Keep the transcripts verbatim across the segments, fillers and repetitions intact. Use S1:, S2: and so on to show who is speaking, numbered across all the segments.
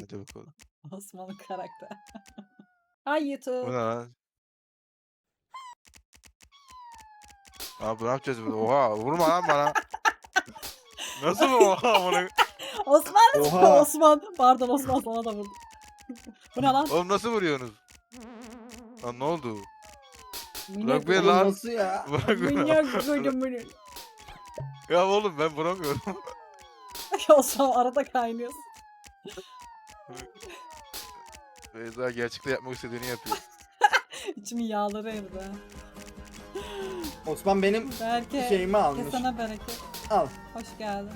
S1: Hadi bakalım.
S2: Osman'ın karakter. Ay
S1: Bu
S2: YouTube.
S1: ne lan? Abi ne yapacağız burada? Oha vurma lan bana. Nasıl bu oha amına?
S2: Osman
S3: Oha.
S2: Osman. Pardon Osman sana da vurdum. Bu ne lan?
S1: Oğlum nasıl vuruyorsunuz? Lan ne oldu?
S2: Minnak
S1: beni
S3: Oğlum
S1: lan.
S3: nasıl ya?
S1: Bırak beni.
S2: Minnak koydum bunu.
S1: Ya oğlum ben vuramıyorum.
S2: Osman arada kaynıyorsun.
S1: Beyza gerçekte yapmak istediğini yapıyor.
S2: İçimin yağları eridi ha.
S3: Osman benim
S2: Belki
S3: şeyimi almış.
S2: kesene bereket.
S3: Al.
S2: Hoş geldin.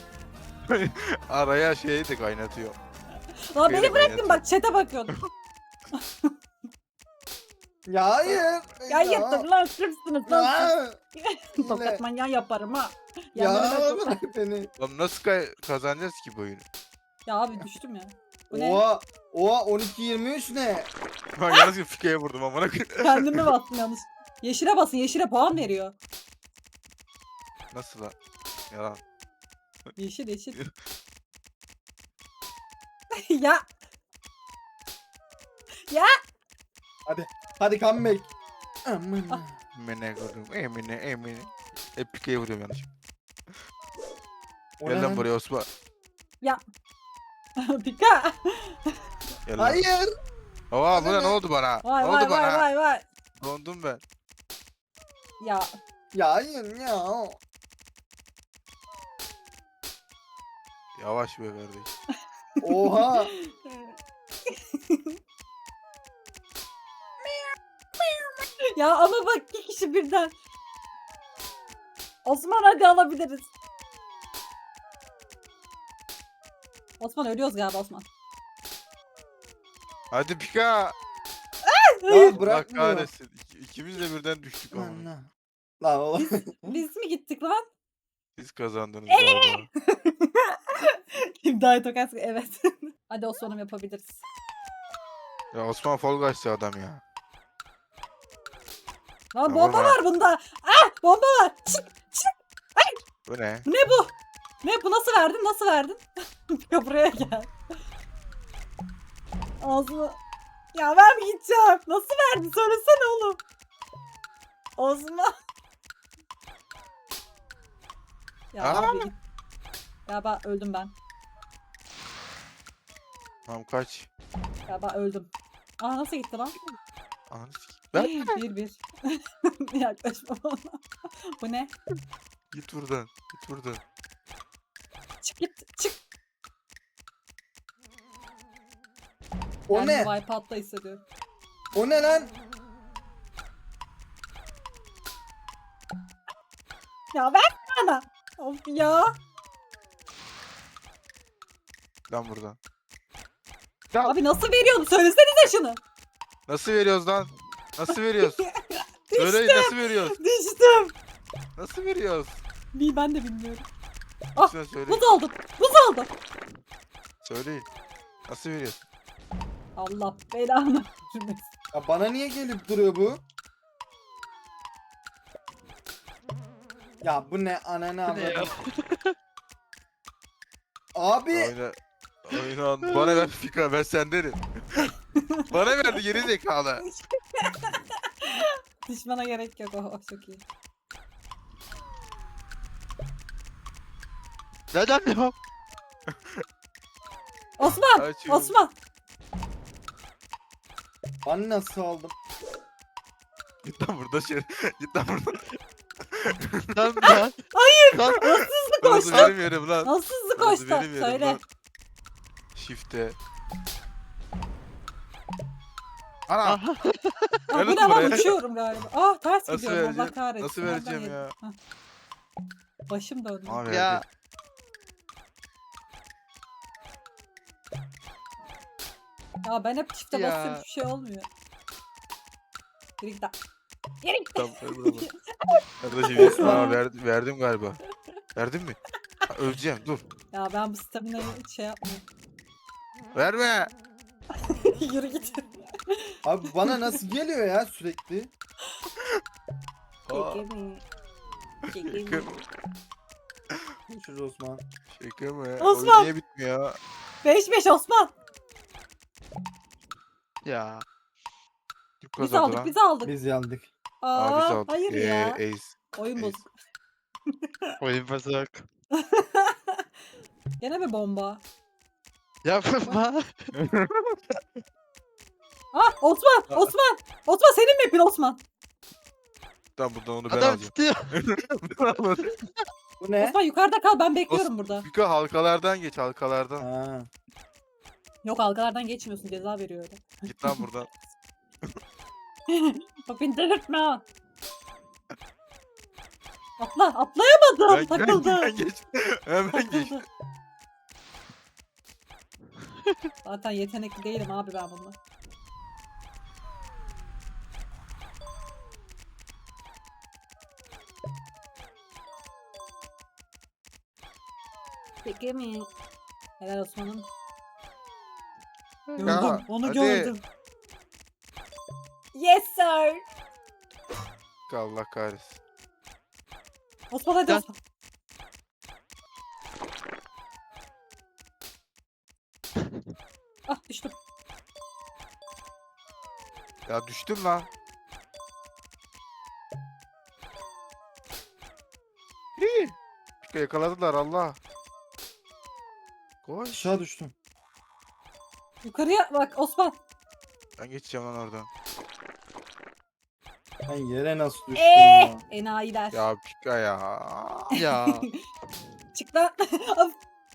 S1: Araya şeyi de kaynatıyor.
S2: Lan
S1: Şeyle
S2: beni bıraktın
S1: kaynatıyor.
S2: bak chat'e bakıyordum.
S3: Ya hayır.
S2: Ya yırttın lan sırfsınız lan siz.
S3: Ya.
S2: Tokat manyağı yaparım ha.
S3: Ya
S2: Ya,
S3: bırak beni.
S1: Oğlum nasıl kay- kazanacağız ki bu oyunu?
S2: ya abi düştüm ya. Bu ne?
S3: Oha. Oha on iki yirmi üç ne?
S1: Ben yanlışlıkla fikeye vurdum amına koyayım.
S2: Kendimi bastım yanlış. Yeşile basın yeşile puan veriyor.
S1: Nasıl lan? Yalan.
S2: Yeşil yeşil. ya. Ya.
S3: Hadi comeback. Aman.
S2: Ah.
S1: Emine koydum. Emine emine. Hep pikeye vuruyorum yanlış.
S3: O
S1: Gel
S3: ne
S1: lan
S3: lan?
S1: buraya Osman.
S2: Pika.
S1: Gel lan.
S3: Hayır.
S1: Oha bu ne ne oldu bana?
S2: Vay
S1: ne
S2: vay
S1: oldu
S2: vay
S1: bana?
S2: vay vay.
S1: Dondum ben.
S2: Ya.
S3: Ya hayır ya.
S1: Yavaş be kardeş.
S3: Oha.
S2: ya ama bak iki kişi birden. Osman hadi alabiliriz. Osman ölüyoruz galiba Osman.
S1: Hadi pika.
S3: Ya
S1: Allah
S3: bırakmıyor.
S1: kahretsin. İki- İkimiz de birden düştük ama.
S3: Aman. Lan oğlum.
S2: Biz mi gittik lan?
S1: Siz kazandınız galiba.
S2: İmdaya tokat evet. hadi Osman'ım yapabiliriz.
S1: Ya Osman Fall Guys'tı adam ya.
S2: Lan
S1: Ya
S2: bomba
S1: vurma.
S2: var bunda. Ah bomba var. Çık.
S1: Bu ne?
S2: Bu ne bu? Ne bu nasıl verdin nasıl verdin? ya buraya gel. Ağzını. Ya ben mi gideceğim? Nasıl verdin söylesene oğlum. Osman. ya
S1: Aa!
S2: abi git. Galiba öldüm ben.
S1: Tamam kaç.
S2: Galiba öldüm. Aa nasıl gitti lan?
S1: Ananı sikeyim. Ben
S2: bir bir. Yaklaşma bana. Bu ne?
S1: git buradan. Git buradan.
S2: Çık git. Çık.
S3: O
S2: Kendimi
S3: ne?
S2: Wipeout'ta hissediyorum.
S3: O ne lan?
S2: Ya ver bana. Of ya.
S1: Lan buradan.
S2: Abi nasıl veriyorsun? Söylesenize şunu.
S1: Nasıl veriyoruz lan? Nasıl veriyoruz? Söyleyin
S2: Düştüm.
S1: nasıl veriyoruz?
S2: Düştüm.
S1: Nasıl veriyoruz?
S2: Bir ben de bilmiyorum. Ah,
S1: Lütfen söyleyin.
S2: Buz oldu. Buz oldu.
S1: Söyleyin. Nasıl veriyoruz?
S2: Allah belanı vermesin.
S3: Ya bana niye gelip duruyor bu? Ya bu ne ananı avradım. Abi
S1: Oyna. Oyna. Bana ver Fika ben sendenim. Bana verdi geri zekalı.
S2: Düşmana gerek yok. Oh, oh, çok iyi.
S1: Neden ya?
S2: Osman.
S1: Açıyorum.
S2: Osman.
S3: ben nasıl aldım?
S1: Git lan burada şey. Git lan buradan.
S4: Lan ben.
S2: Hayır.
S4: Lan.
S2: Hızlı
S1: Burası
S2: koştu.
S1: benim yerim lan.
S2: Nasıl hızlı
S1: Burası
S2: koştu?
S1: benim yerim
S2: Söyle.
S1: lan. Shift'e. Ana.
S2: Ah, bu
S1: Ver
S2: ne
S1: lan
S2: lan
S1: buraya.
S2: uçuyorum galiba. Ah ters
S1: Nasıl
S2: gidiyorum Allah
S1: vereceğim?
S2: kahretsin.
S1: Nasıl
S2: Nereden
S1: vereceğim
S2: yedim?
S1: ya?
S2: Hah. Başım döndü.
S1: Aa,
S4: Ya.
S1: verdi.
S2: Ya ben hep çifte
S4: Ya.
S2: basıyorum hiçbir şey olmuyor. Yürü git lan. Yürü git.
S1: Tamam, ver bana. Kardeşim ya, aa, verdim, verdim galiba. Verdin mi? Ha, öleceğim dur.
S2: Ya ben bu stamina'yı hiç şey yapmıyorum.
S1: Verme.
S2: Yürü git.
S3: Abi bana nasıl geliyor ya sürekli?
S1: Aa,
S2: Çekimi. Çekimi.
S1: şaka,
S3: Görüşürüz Osman.
S1: şaka mı?
S2: Osman.
S1: Oyun niye bitmiyor?
S2: beş beş Osman.
S4: Ya.
S1: Kim
S2: Biz
S1: kazandı
S2: aldık
S1: lan?
S2: biz aldık.
S3: Biz yandık.
S1: Aa biz
S2: Aa,
S1: aldık.
S2: hayır
S1: Ee,
S2: ya.
S1: Ace.
S2: Oyun
S1: Ace.
S2: bozuk.
S4: Oyun bozuk.
S2: Gene mi bomba?
S4: Yapma.
S2: Ah Osman!
S1: Aa.
S2: Osman! Osman senin map'in Osman.
S1: Tamam buradan onu ben
S4: Adam
S1: alacağım.
S4: tutuyor.
S1: Ben almadım.
S3: Bu ne?
S2: Osman yukarıda kal ben bekliyorum burada.
S1: Fiko halkalardan geç halkalardan.
S3: Ha.
S2: Yok halkalardan geçmiyorsun ceza veriyor öyle.
S1: Git lan buradan.
S2: Bak beni delirtme ha. Atla atlayamadım
S1: Ben,
S2: takıldı.
S1: ben, ben geç. Hemen geç.
S2: Takıldı. Zaten yetenekli değilim abi ben bununla. Peki mi? Helal Osman'ım. Gördüm,
S1: Ya,
S2: onu
S1: hadi.
S2: gördüm. Yes sir.
S1: Allah kahretsin.
S2: Osman hadi
S4: Gel.
S2: Osman. Ah düştüm.
S1: Ya düştüm lan. İyi. Fiko yakaladılar Allah. Koş.
S3: Aşağı düştüm.
S2: Yukarıya bak Osman.
S1: Ben geçeceğim lan oradan.
S3: Ben yere nasıl düştüm
S2: Eee
S3: ya?
S2: enayiler.
S1: Ya Pika ya.
S4: Ya.
S2: Çık lan. Of,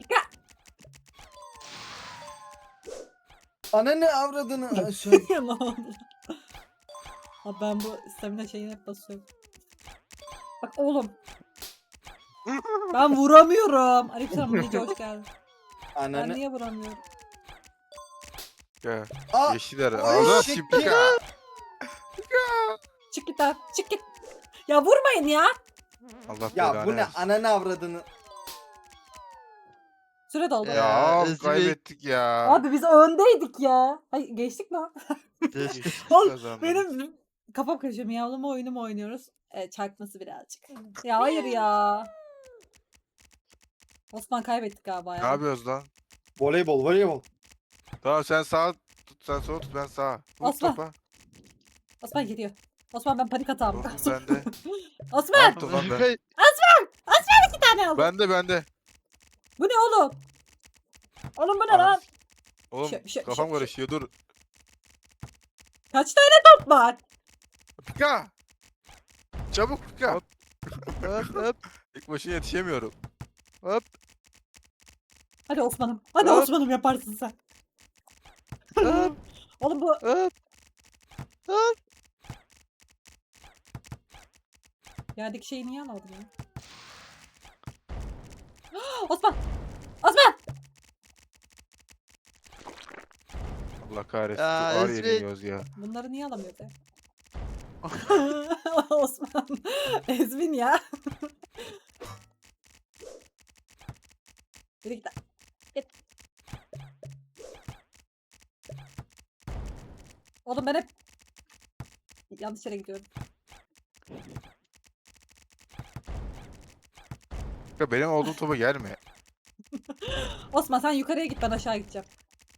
S3: Ananı avradını aşağı.
S2: ya ne oldu? Abi ben bu stamina şeyini hep basıyorum. Bak oğlum. Ben vuramıyorum. Aleykümselam Gece hoş geldin. Ben
S3: Ananı.
S2: niye vuramıyorum?
S1: Ya.
S3: Aa,
S1: Yeşiller.
S3: Ay,
S1: Allah
S3: şeker.
S1: Pika.
S2: Çık git lan. Çık git. Ya vurmayın ya.
S1: Allah
S3: ya
S1: belanı
S3: bu ne?
S1: versin.
S3: Ananı avradını.
S2: Süre doldu.
S4: Ya.
S1: Ya
S4: Özgür-
S1: kaybettik ya.
S2: Abi biz öndeydik ya. Ay geçtik mi?
S4: Geçti.
S2: Oğlum,
S1: Kazandık.
S2: Benim kafam karışıyor. Miyavlama oyunu mu oynuyoruz? E, çarpması birazcık. Ya hayır ya. Osman kaybettik galiba
S1: Ne
S2: ya.
S1: yapıyoruz lan?
S3: Voleybol, voleybol.
S1: Tamam sen sağ tut, sen sol tut, ben sağ. Vur
S2: Osman.
S1: topa.
S2: Osman geliyor. Osman ben panik atağım.
S1: Top bende.
S2: Osman
S1: Top lan ben.
S4: Kay-
S2: bir tane aldım.
S1: Bende bende.
S2: Bu ne oğlum? Oğlum bu ne lan?
S1: Oğlum
S2: Şö- şö-
S1: kafam
S2: şö-
S1: karışıyor dur.
S2: Kaç tane top var?
S1: Pika. Çabuk Pika.
S4: Hop. Hop hop
S1: İlk başına yetişemiyorum.
S4: hop.
S2: Hadi Osman'ım. Hadi
S4: Hop.
S2: Osman'ım yaparsın sen.
S4: Hop.
S2: Oğlum bu
S4: Hop. Hop.
S2: yerdeki şeyi niye almadın ya? Osman! Osman!
S1: Allah kahretsin.
S4: Ya,
S1: Ağır
S4: Ezgi.
S1: yeniliyoruz ya.
S2: Bunları niye alamıyoruz ya? Osman. Ezmin ya. Yürü git lan. Git. Oğlum ben hep yanlış yere gidiyorum.
S1: Pika benim olduğum topa gelme.
S2: Osman sen yukarıya git ben aşağı gideceğim.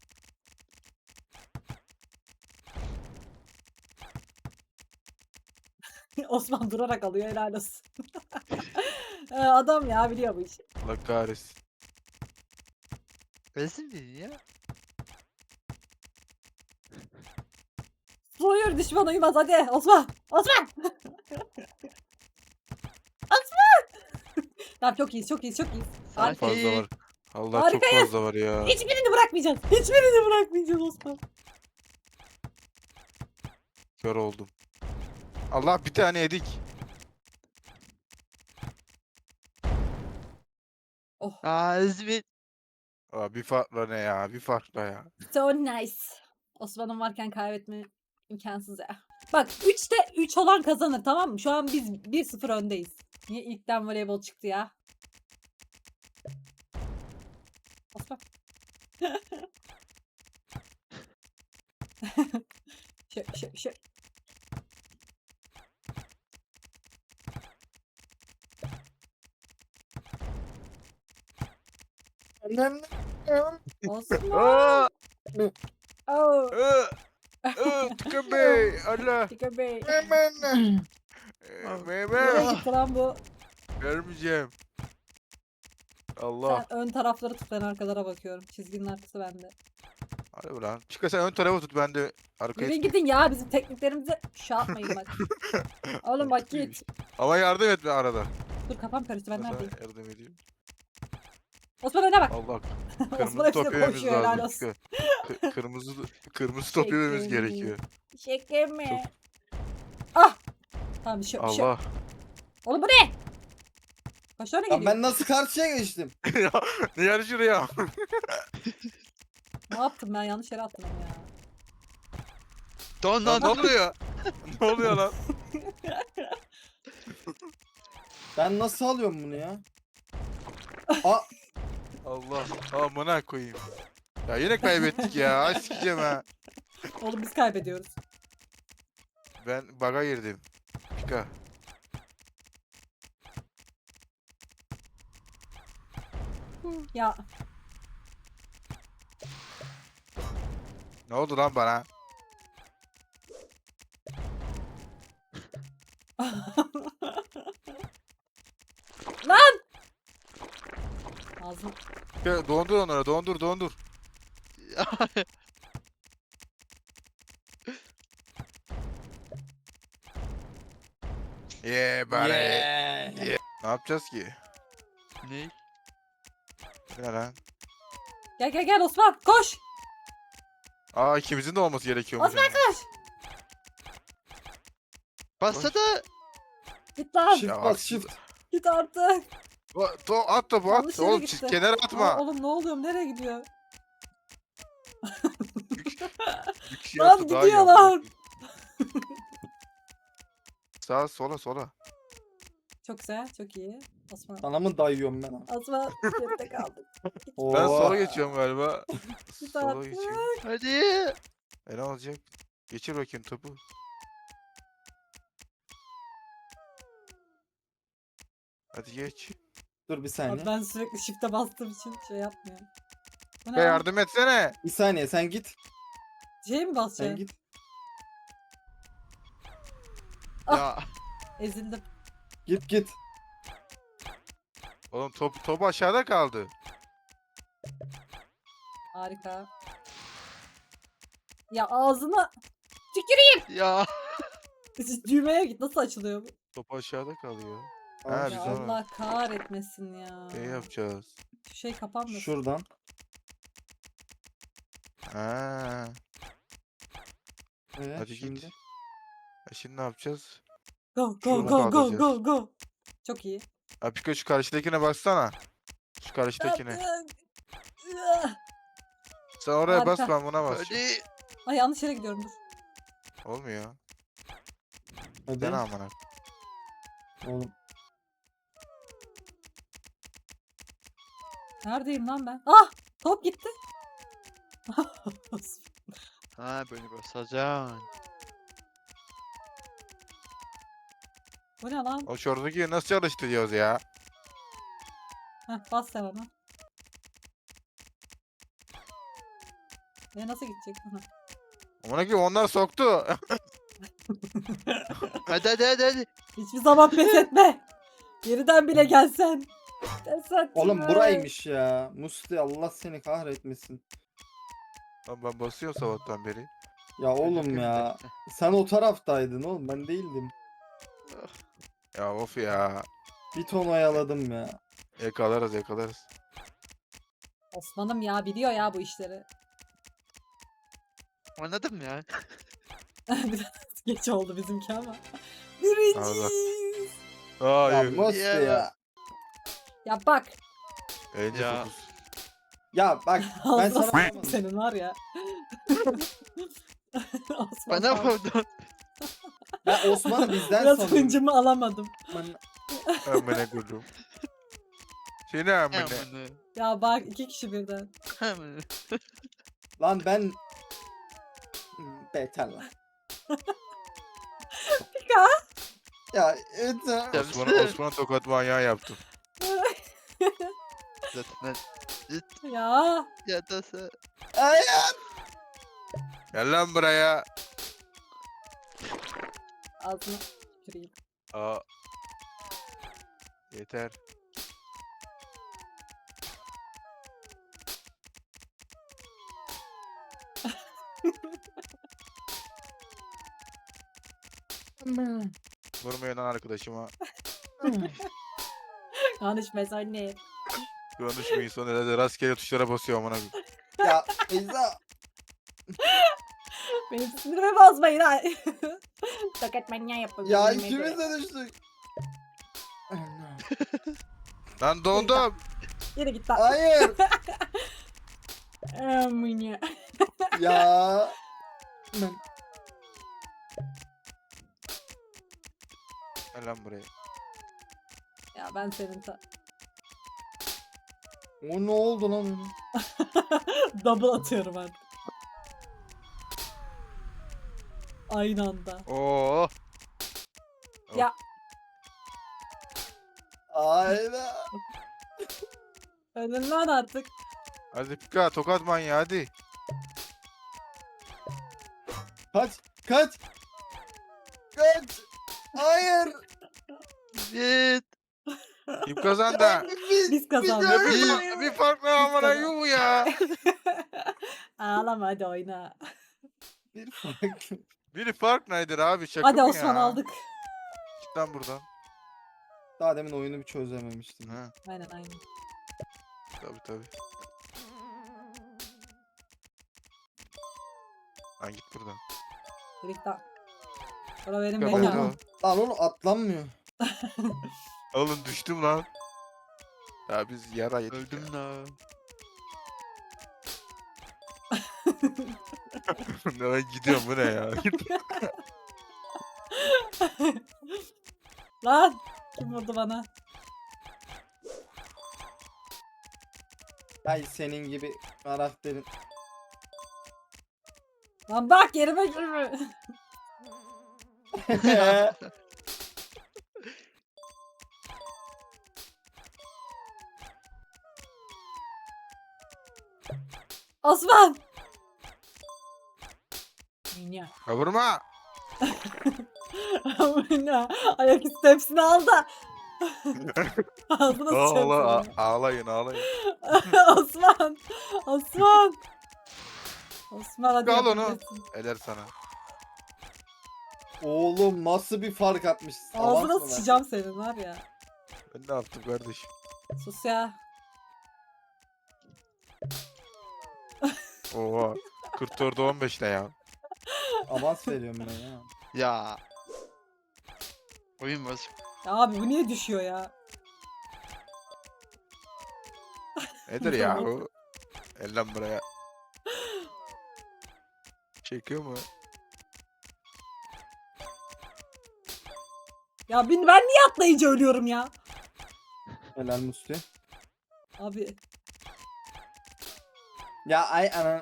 S2: Osman durarak alıyor helal olsun. Ee, Adam ya biliyor bu işi.
S1: Allah kahretsin.
S4: Resim değil ya.
S2: Soyur düşman uyumaz hadi Osman. Osman. Osman. Tamam çok iyiyiz çok iyiyiz çok iyiyiz.
S1: Çok
S2: Harika.
S1: fazla var. Allah
S2: Harikayız.
S1: çok fazla var ya.
S2: Hiçbirini bırakmayacağız. Hiçbirini bırakmayacağız Osman.
S1: Kör oldum. Allah bir tane yedik.
S2: Oh.
S4: Aa Ezmi.
S1: Aa, bir farkla ne ya? Bir farkla ya.
S2: So nice. Osman'ın varken kaybetme imkansız ya. Bak üçte üç olan kazanır tamam mı? Şu an biz bir sıfır öndeyiz. Niye ilkten voleybol çıktı ya? Osman. Şö şö şö.
S3: Ananı.
S2: Osman.
S1: Aa!
S2: Oh.
S1: Iı! Iı, Tıkın Bey. Allah.
S2: Tika Bey.
S1: Hemen. Ee,
S2: Nereye
S1: Mehmet.
S2: gitti lan bu?
S1: Vermeyeceğim. Allah.
S2: Sen ön tarafları tut, ben arkalara bakıyorum. Çizginin arkası bende.
S1: Hadi ulan. Çıkar sen ön tarafı tut, ben de arkaya
S2: Yürüyün
S1: tutayım.
S2: gidin ya, bizim tekniklerimize şey yapmayın bak. Oğlum bak git.
S1: Ama yardım etme arada.
S2: Dur kafam karıştı, ben
S1: Sana
S2: neredeyim?
S1: yardım edeyim.
S2: Osman öne bak.
S1: Allah.
S2: Osman
S1: Kırmızı
S2: hepsine
S1: top yememiz
S2: koşuyor, helal
S1: lazım.
S2: olsun.
S1: Kı- Kırmızı kırmızı top yememiz
S2: Şekerim.
S1: gerekiyor.
S2: Şeker mi? Ah! Tamam bir şey yok, bir şey yok.
S1: Allah.
S2: Oğlum bu ne? Kaç tane
S3: Lan
S2: geliyor?
S3: ben nasıl karşıya geçtim?
S1: Ya, ne yarışır ya?
S2: Ne yaptım ben, yanlış yere attım onu ya.
S4: Don
S1: Lan
S4: don
S1: ne
S4: don.
S1: oluyor? Ne oluyor lan?
S3: Ben nasıl alıyorum bunu ya? Aa,
S1: Allah. Amına koyayım. Ya yine kaybettik ya. Ay sikeceğim ha.
S2: Oğlum biz kaybediyoruz.
S1: Ben baga girdim. Pika.
S2: Ya
S1: Ne oldu lan bana?
S2: Lan! Ağzım.
S1: Ya, dondur onları, dondur, dondur. Yeah, bari.
S3: yeah.
S1: Ne yapacağız ki?
S4: Ne?
S1: Ne lan?
S2: Gel gel gel Osman koş.
S1: Aa, ikimizin de olması gerekiyormuş.
S2: Osman
S1: yani.
S2: koş.
S4: Bassa da
S2: Git lan.
S3: Shift
S1: Ya,
S3: bas
S1: aksi-
S3: shift.
S2: Git artık.
S1: O- To at topu
S2: Yanlış
S1: at.
S2: yere
S1: Oğlum
S2: gitti.
S1: çiz- kenara atma.
S2: Aa, oğlum ne oluyor, nereye gidiyor?
S1: Bir kişi
S2: Lan
S1: atsa daha iyi
S2: gidiyor
S1: amına
S2: lan.
S1: koyayım. Sağa sola sola.
S2: Çok güzel, çok iyi. Osman.
S3: Sana mı dayıyorum ben? ha?
S2: Osman geride kaldık.
S3: Oo.
S1: Ben sola geçiyorum galiba.
S2: Git
S1: Sola
S2: artık.
S1: geçiyorum.
S4: hadi.
S1: E ne olacak? Geçir bakayım topu. Hadi geç.
S3: Dur bir
S2: Abi
S3: saniye.
S2: ben sürekli shift'e bastığım için şey yapmıyorum. Bu ne
S1: Ya
S2: lan?
S1: yardım etsene.
S3: Bir saniye sen git.
S2: Şey mi
S3: Sen
S2: basacaksın?
S3: git.
S2: Ah.
S4: Ya
S2: Ezildim.
S3: Git git.
S1: Oğlum top top aşağıda kaldı.
S2: Harika. Ya ağzına tüküreyim.
S4: ya.
S2: Düğmeye git, nasıl açılıyor bu?
S1: Top aşağıda kalıyor.
S3: Al
S1: Ha,
S3: şu-
S2: Ya
S1: biz onu-
S2: Allah kahretmesin ya.
S1: Ne yapacağız?
S2: Şu şey kapanmasın.
S3: Şuradan.
S1: Ha.
S3: Evet,
S1: Hadi
S3: şimdi.
S1: git. E şimdi ne yapacağız?
S2: Go go
S1: Şunu
S2: go go
S1: kaldıracağız.
S2: go go. Çok iyi.
S1: Ha Pika, şu karşıdakine baksana. Şu karşıdakine.
S2: Yaptın.
S1: Sen oraya bas,
S2: Harika.
S1: ben buna basacağım.
S4: Hadi.
S2: Ay yanlış yere gidiyorum, dur.
S1: Olmuyor.
S3: Hadi.
S1: Dene amına.
S3: Oğlum.
S2: Neredeyim lan ben? Ah! Top gitti.
S4: Ha böyle basacaksın.
S2: Bu ne lan?
S1: O şoradaki nasıl çalıştırıyoruz ya?
S2: Heh, bas sen ona. E nasıl gidecek? Aha.
S1: Amına koyayım, onlar soktu.
S4: Hadi hadi hadi hadi.
S2: Hiçbir zaman pes etme. Geriden bile gelsen. Pes etme.
S3: Oğlum buraymış ya. Musti Allah seni kahretmesin.
S1: Lan ben basıyorum sabahtan beri.
S3: Ya oğlum ya. Sen o taraftaydın oğlum, ben değildim.
S1: Ya of ya.
S3: Bir ton oyaladım ya.
S1: Yakalarız yakalarız.
S2: Osman'ım ya, biliyor ya bu işleri.
S4: Anladım ya.
S2: Biraz geç oldu bizimki ama. Birinciyiz.
S3: Ya
S1: Hayır.
S3: Musti
S4: Ya.
S3: ya.
S2: Ya bak.
S1: elli
S4: Ya.
S1: dokuz.
S3: Ya bak ben
S2: Ağzına
S3: sana
S2: s**eyim senin var ya. Osman
S4: Bana
S2: pardon.
S4: vurdun.
S3: ben Osman'ı bizden
S2: Biraz
S3: sanıyorum.
S2: hıncımı alamadım.
S3: Osman-
S1: Amına koydum. Seni amına.
S4: Hemen.
S2: Ya bak, iki kişi birden.
S4: Hemen.
S3: Lan ben... Hmm, Beter lan.
S2: Pika.
S3: Ya yeter.
S4: Ya
S1: Osman'a
S4: işte.
S1: Osman'a tokat manyağı yaptım.
S4: Zaten
S2: Ya.
S4: ya da sen.
S3: Hayır.
S1: Gel lan buraya.
S2: Ağzına tüküreyim.
S1: Aa. Yeter. Vurmayın lan arkadaşıma.
S2: Konuşma anne.
S1: Konuşmayın sonra herhalde rastgele tuşlara basıyor amına koyayım.
S3: Ya Beyza.
S2: Benim sinirimi bozmayın ha. Tokat manyağı yapalım.
S3: Ya
S2: yemeğe göre.
S3: ikimiz de düştük.
S1: Lan dondum.
S2: Yürü git lan.
S3: Hayır.
S2: Amına.
S3: Ya. Ben...
S1: Gel lan buraya.
S2: Ya ben senin ta...
S3: O ne oldu lan öyle?
S2: Double atıyorum artık. Aynı anda.
S1: Oo.
S2: Ya
S3: Ayda.
S2: önünden artık.
S1: Hadi Pika tokat manyağı hadi.
S3: Kaç. Kaç. Kaç. Hayır.
S4: Git.
S1: Kim kazandı?
S3: Biz,
S2: Biz kazandık.
S1: Ya bir, fark- bir farklı amına
S2: kazandık.
S1: yuh ya.
S2: Ağlama hadi oyna.
S3: bir farklı.
S1: Bir fark nedir abi şaka
S2: Hadi
S1: mı
S2: Osman
S1: ya?
S2: aldık.
S1: Git lan buradan.
S3: Daha demin oyunu bir çözememiştim.
S1: Ha,
S2: Aynen aynen.
S1: tabii tabii. Lan git buradan.
S2: Dedik daha. Sonra benim
S1: Kapat
S2: mekanım.
S1: oğlum.
S3: Lan oğlum atlanmıyor.
S1: Oğlum düştüm lan. Ya biz yara yedik.
S4: Öldüm la.
S1: Ya. Ben gidiyorum bu ne ya?
S2: Lan kim vurdu bana?
S3: Ay senin gibi karakterin.
S2: Lan bak yerime girme. Osman. Minya.
S1: Ya vurma.
S2: Minya. Ayaküstü hepsini aldı. Ağzına
S1: Ağla,
S2: sıçrattı.
S1: a- ağlayın ağlayın.
S2: Osman. Osman. Osman hadi
S1: Al onu.
S2: yapabilirsin.
S1: Eder sana.
S3: Oğlum nasıl bir fark atmış.
S2: Ağzına sıçacağım senin var ya.
S1: Ben ne yaptım kardeşim?
S2: Sus ya.
S1: Oha. kırk dörde on beş ne ya?
S3: Avans veriyorum ben ya.
S4: Ya. Oyun bozuk.
S2: Ya abi bu niye düşüyor ya?
S1: Nedir ya bu? El lan buraya. Çekiyor mu?
S2: Ya ben, ben niye atlayınca ölüyorum ya?
S3: Helal Musli.
S2: Abi
S3: Ya ay ana.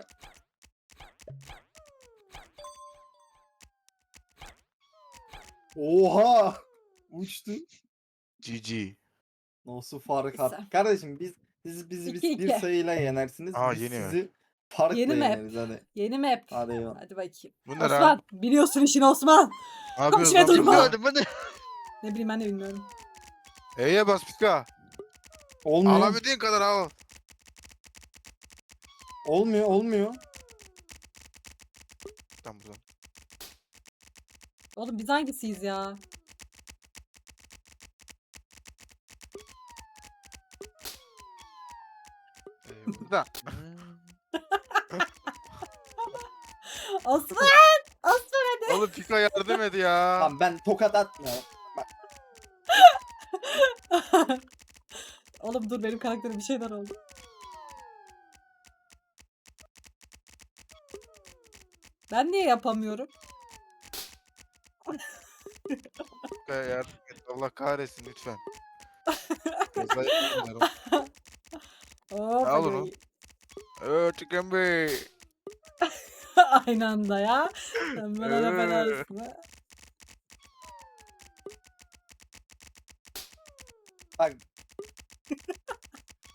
S3: Oha! Uçtu.
S1: G G.
S3: Nasıl fark
S2: Güzel.
S3: attı? Kardeşim biz biz bizi biz
S2: İki
S3: bir
S2: iki.
S3: sayıyla yenersiniz.
S1: Aa,
S3: biz
S1: yeni mi?
S3: sizi farkla
S2: Yeni map.
S3: yeneriz hadi.
S2: yeni map.
S3: Hadi eyvallah.
S2: Hadi bakayım.
S1: Bu ne lan?
S2: Osman biliyorsun işini Osman.
S1: Ne yapıyoruz
S2: şey
S1: lan
S2: durma.
S1: burada?
S4: Gördüm bu ne?
S2: Ne bileyim ben de bilmiyorum.
S1: E'ye bas Pika.
S3: Olmuyor.
S1: Alabildiğin kadar al.
S3: Olmuyor, olmuyor.
S1: Tam buradan.
S2: Oğlum biz hangisiyiz ya?
S1: Burada.
S2: Osman! Osman
S1: Oğlum Pika yardım et ya.
S3: Tamam ben tokat atmıyorum.
S2: Oğlum dur benim karakterim bir şeyler oldu. Ben niye yapamıyorum?
S1: Pika yardım et. Allah kahretsin lütfen. Kaza yapmıyorum.
S2: Hop,
S1: Al
S2: hadi.
S1: onu. Eee Chicken Bey.
S2: Aynı anda ya. Sen bana da ben
S1: Ee.
S2: arasına.
S3: Bak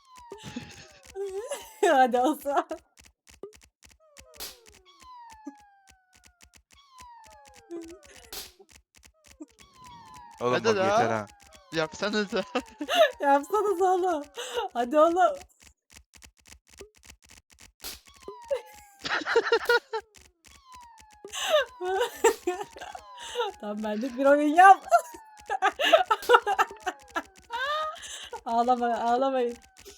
S2: Hadi Osman.
S1: Oğlum
S4: Hadi
S1: bak
S4: la.
S1: yeter ha.
S4: Yapsanıza.
S2: Yapsanız oğlum. Hadi oğlum. Tamam benlik bir oyun yap. Ağlama, ağlamayın.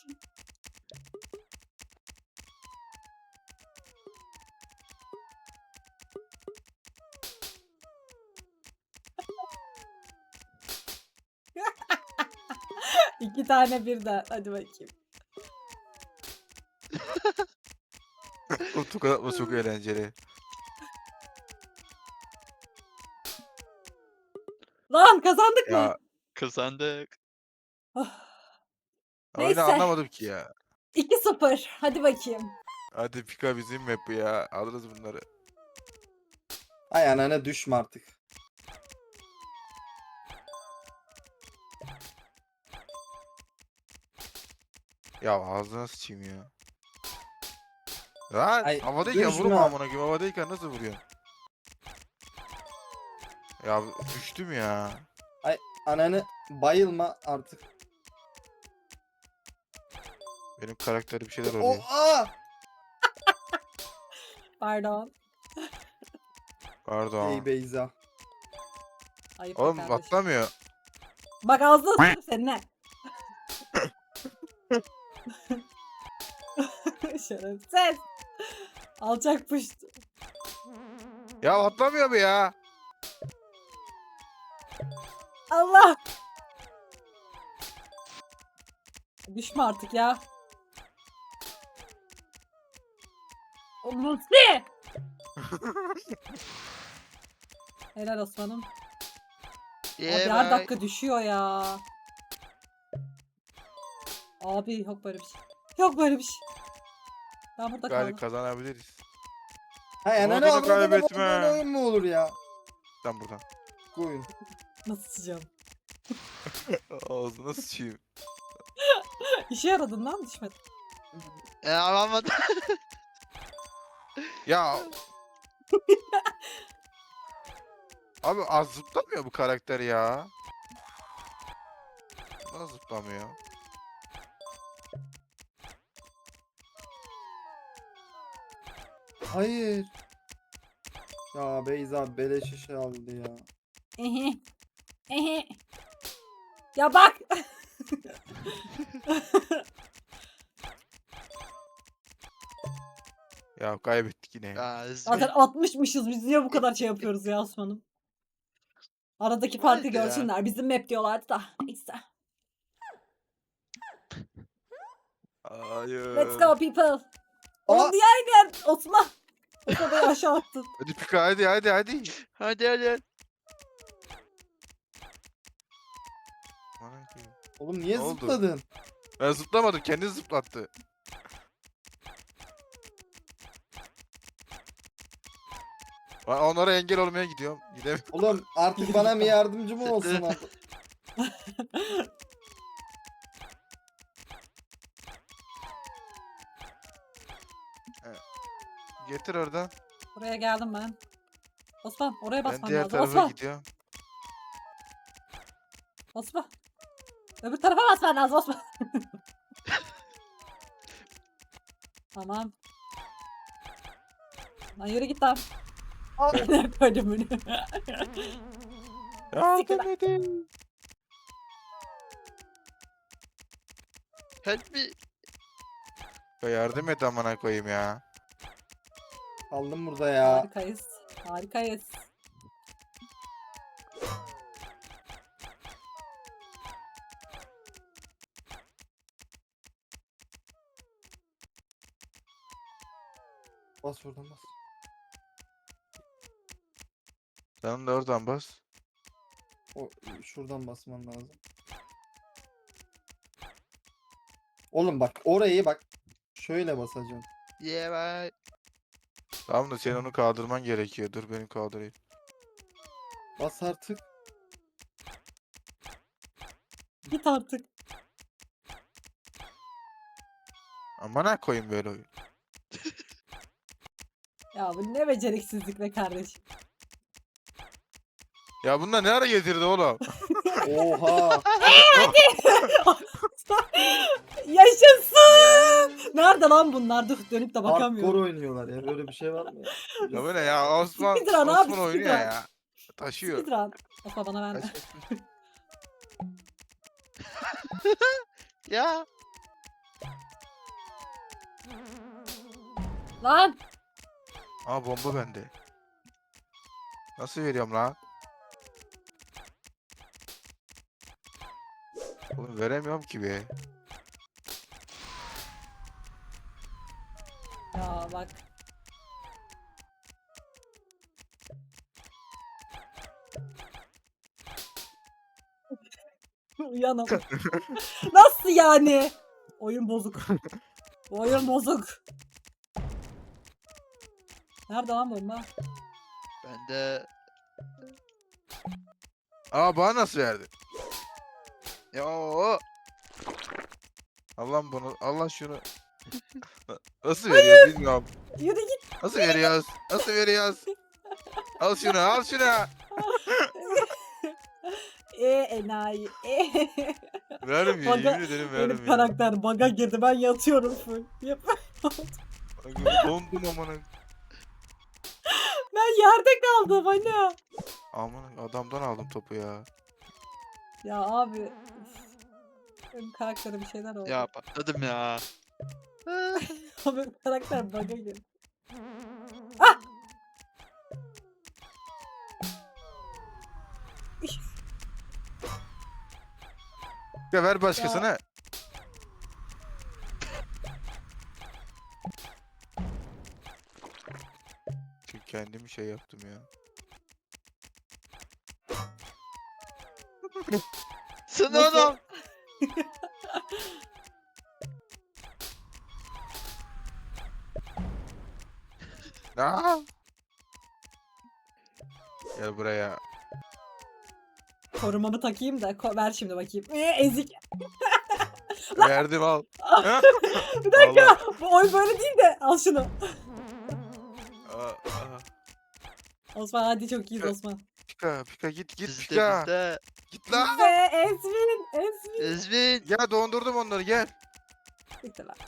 S2: İki tane birden. Hadi bakayım.
S1: O tokat atma çok eğlenceli.
S2: Lan kazandık mı?
S1: Ya
S4: Kazandık.
S2: Oh,
S1: oyunu
S2: Neyse.
S1: anlamadım ki ya.
S2: iki sıfır. Hadi bakayım.
S1: Hadi Pika bizim map bu ya. Alırız bunları.
S3: Ay anana düşme artık.
S1: Ya ağzına sıçayım ya. Lan
S3: Ay,
S1: havadayken
S3: düşme.
S1: vurma amına koyayım. Havadayken nasıl vuruyorsun? Ya düştüm ya.
S3: Ananı bayılma artık.
S1: Benim karakteri bir şeyler
S3: O
S1: oluyor.
S3: aa!
S2: Pardon.
S1: Pardon.
S3: Ey Beyza.
S2: Ayıp be
S1: Oğlum
S2: kardeşim.
S1: atlamıyor.
S2: Bak ağzına sıçayım seninle. Şerefsiz. Alçak puşt.
S1: Ya atlamıyor mu ya?
S2: Allah. Düşme artık ya. O Musti. Helal Osman'ım. Abi
S4: Yeah,
S2: her
S4: bye.
S2: dakika düşüyor ya. Abi yok böyle bir şey. Yok böyle bir şey. Ben burada
S1: Galiba
S2: kaldım.
S1: kazanabiliriz.
S3: Hay
S1: Umudunu
S3: ananı avradını
S1: kaybetme.
S3: böyle oyun mu olur ya?
S1: Sen buradan.
S3: Oyun.
S2: Nasıl sıçacağım?
S1: Ağzına sıçayım.
S2: İşe yaradın lan düşmedin.
S4: Ya alamadım.
S1: Ya. Abi az zıplamıyor bu karakter ya. Nasıl zıplamıyor?
S3: Hayır. Ya Beyza beleş işe aldı ya.
S2: Ehe. Ehe. Ya bak.
S1: Ya kaybettik yine.
S4: Ya,
S2: Zaten altmışmışız biz niye bu kadar şey yapıyoruz ya Osman'ım? Aradaki farkı
S4: Neyse ya.
S2: görsünler. Bizim map diyorlardı da. Neyse.
S1: Hayır.
S2: Let's go people.
S3: Aa!
S2: Oğlum niye aynen Osman? Osman beni aşağı attın.
S1: Hadi Pika hadi hadi hadi.
S4: hadi hadi.
S1: Aman koyayım.
S3: Oğlum niye
S1: Ne oldu?
S3: zıpladın?
S1: Ben zıplamadım kendi zıplattı. Ben onlara engel olmaya gidiyorum. Gidemiyorum.
S3: Oğlum artık bana bir yardımcı mı olsun artık?
S1: Getir oradan.
S2: Buraya geldim ben. Osman oraya
S1: Ben
S2: basman
S1: diğer
S2: lazım.
S1: tarafa
S2: Osman.
S1: gidiyorum.
S2: Osman. Öbür tarafa basman lazım Osman. Tamam. Lan yürü git lan. Ne koydum bunu?
S1: Yardım edin.
S4: Help me.
S1: Ya yardım et amına koyayım ya.
S3: Kaldım burada ya.
S2: Harikayız. Harikayız.
S3: Bas oradan bas.
S1: Sen de oradan bas.
S3: O, şuradan basman lazım. Oğlum bak orayı bak. Şöyle basacaksın.
S4: Yeah bye.
S1: Tamam da senin onu kaldırman gerekiyor. Dur benim kaldırayım.
S3: Bas artık.
S2: Git artık.
S1: Amına koyayım böyle oyun.
S2: Ya bu ne beceriksizlik be kardeşim.
S1: Ya bunlar ne ara getirdi oğlum?
S3: Oha.
S2: Yaşasın. Nerede lan bunlar? Dur dönüp de
S3: Hardcore
S2: bakamıyorum.
S3: oynuyorlar ya. Böyle bir şey var mı ya?
S1: Ya bu ne ya? Osman,
S2: Speedrun abi,
S1: Osman oynuyor
S2: speedrun.
S1: ya. Taşıyor.
S2: Speedrun. Opa bana verme.
S1: Kaç, kaç, kaç.
S4: Ya.
S2: Lan.
S1: Aa bomba bende. Nasıl veriyorum lan? Oğlum veremiyorum ki be.
S2: Ya bak. Uyanım. Nasıl yani? Oyun bozuk. Bu oyun bozuk. Nerede lan bomba?
S4: Ben de.
S1: Aa bana nasıl verdi?
S4: Yo.
S1: Allah bunu, Allah şunu. Nasıl veriyor bilmiyorum.
S2: Yürü git.
S1: Nasıl veriyoruz? Nasıl veriyoruz? Al şunu, al şunu.
S2: E enayi. E.
S1: Vermiyor,
S2: Baga-
S1: yemin ederim
S2: Benim
S1: vermiyor.
S2: karakter baga girdi. Ben yatıyorum full. Yap.
S1: Aga, dondum amına.
S2: Ben yerde kaldım hani.
S1: Aman adamdan aldım topu ya.
S2: Ya abi. üf. Benim karaktere bir şeyler oldu.
S4: Ya patladım ya.
S2: Abi karakter baga girdi.
S1: Ya ver başkasına. Çünkü kendimi şey yaptım ya.
S4: Sen
S2: Nasıl?
S4: oğlum.
S1: Aa! Gel buraya.
S2: Korumamı takayım da ko- ver şimdi bakayım. Ee, ezik.
S1: Verdim al.
S2: Bir dakika. Bu oy böyle değil de al şunu.
S1: Aa, aa.
S2: Osman hadi çok iyiyiz Osman.
S1: Pika, Pika git git
S4: Bizde
S1: Pika.
S4: bizde.
S1: Git lan.
S2: Ve Ezmin. Ezmin.
S4: Ezmin.
S1: Ya dondurdum onları gel.
S2: Bitti lan.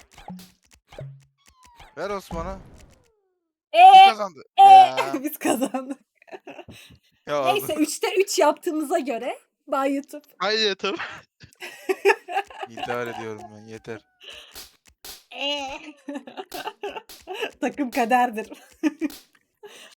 S1: Ver Osman'a. Kim
S2: Eee.
S1: kazandı?
S4: Ya.
S2: Biz kazandık.
S1: Ya
S2: Neyse üçte üç yaptığımıza göre Bay YouTube.
S4: Haydi yatalım.
S1: İntihar ediyorum ben yeter.
S2: Takım kaderdir.